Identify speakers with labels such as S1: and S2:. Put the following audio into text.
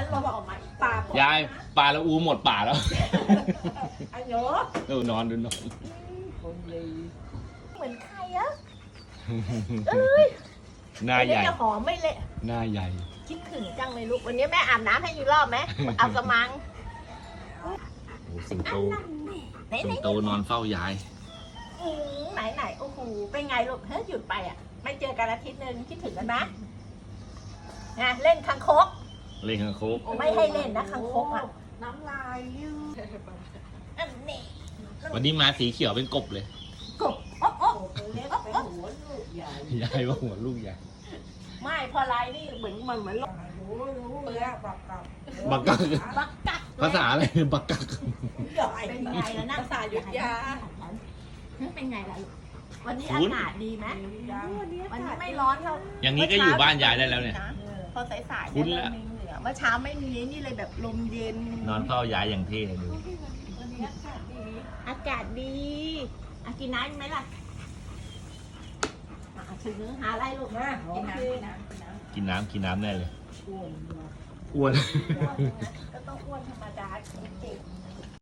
S1: ลมออกมาปาก
S2: ยายปลาละอูหมดป่าแล้ว
S1: อันโย
S2: นอนดูนอน
S1: เหมือนใครอะเอ้ย
S2: หน้าใหญ่
S1: จะหอมไม่เละ
S2: หน้าใหญ่
S1: คิดถึงจังเลยลูกวันนี้แม่อาบน้ำให้อีกรอบไหมเอากระมัง
S2: โอ้สิงโต
S1: ไหน
S2: สิงโตนอนเฝ้ายาย
S1: ไหนโอ้โหเป็นไงลูกเฮ้ยหยุดไปอ่ะไม่เจอกันอาทิตย์นึงคิดถึงกันไหมนะเล่นคังคก
S2: เล่นข้างโคก
S1: ไม่ให้เล่นนะคังคกอ่ะ
S3: น้ำลายยืด
S1: อันนี้
S2: วันนี้มาสีเขียวเป็นกบเลย
S1: กบโอ๊ะโอ๊ะ
S3: เล็กเป็นหัวลูกใหญ่
S2: ยายว่าหัวลูกใหญ่
S1: ไม่พอไลน์นี่เหมือน
S3: รู้แล้วปักกับ
S2: บักกัก
S1: บักกัก
S2: ภาษาอะไรบักกัก
S3: ใหญ่
S1: เป็นไงแล้วนะ
S3: ภาษายุทธยา
S1: เป็นไงล่ะลูกวันนี้อากาศดีไหมวันนี้ไม่ร้อนเท่า
S2: อย่างนี้ก็อยู่บ้านยายได้แล้วเนี่ย
S1: พอสายๆ
S2: คุ้
S1: เนี่ย
S2: นแล้ว
S1: เริ่มมีเหนือเมื่อเช้าไม่มีนี่เลยแบบลมเย็น
S2: นอนเฝ้ายายอย่างเท่เลยดู
S1: วันนี้อากาศดีอ่ะกินน้ำไหมล่ะถึงหาอะไรลูก
S3: มากินน้ำนะ
S2: กินน้ำแน่เลย
S3: อ้วน
S2: อ้วน
S1: ก็ต้องอ้วนธรรมดาจริง